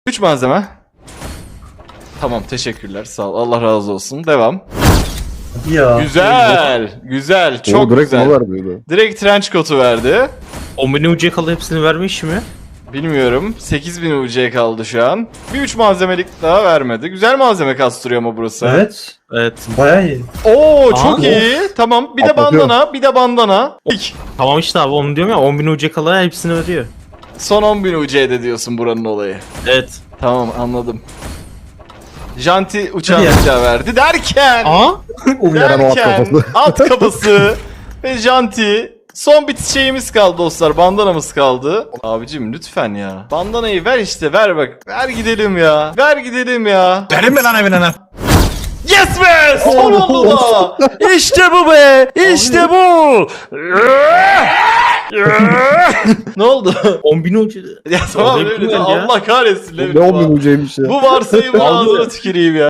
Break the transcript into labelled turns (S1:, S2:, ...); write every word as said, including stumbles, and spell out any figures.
S1: üç malzeme. Tamam, teşekkürler. Sağ ol. Allah razı olsun. Devam.
S2: Ya.
S1: Güzel. Güzel. Çok
S3: Oo, direkt
S1: güzel.
S3: bana verdi.
S1: Direkt trench coat'u verdi.
S4: on bin U C kalı hepsini vermiş mi?
S1: Bilmiyorum. sekiz bin U C kaldı şu an. Bir üç malzemelik daha vermedi. Güzel malzeme kastırıyor ama burası.
S2: Evet.
S4: Evet.
S2: Bayağı iyi.
S1: Oo, çok
S4: Aa,
S1: iyi. Tamam. Bir de
S3: Atlatıyor.
S1: bandana. Bir de bandana. İlk.
S4: Tamam işte abi onu diyorum ya, on bin U C kalı hepsini ödüyor.
S1: Son on bin U C'de diyorsun buranın olayı.
S4: Evet.
S1: Tamam, anladım. Janti uçağı
S2: Hadi ya.
S1: uçağı verdi derken.
S4: Aa?
S3: Uyaran o at
S1: derken
S3: kafası.
S1: at kafası ve Janti. Son bitiş şeyimiz kaldı dostlar. Bandanamız kaldı. Abicim lütfen ya. Bandanayı ver işte, ver bak. Ver gidelim ya. Ver gidelim ya.
S5: Verin mi lan evine lan?
S1: Yes be! Son oldu da. İşte bu be. İşte bu. Ne oldu?
S4: on bin U C.
S1: Ya tamam
S4: Orada
S1: öyle de
S4: yapılmıyor ya.
S1: Allah kahretsin.
S3: Ne on bin ucuymuş ya.
S1: Bu varsayımın ağzına tüküreyim ya.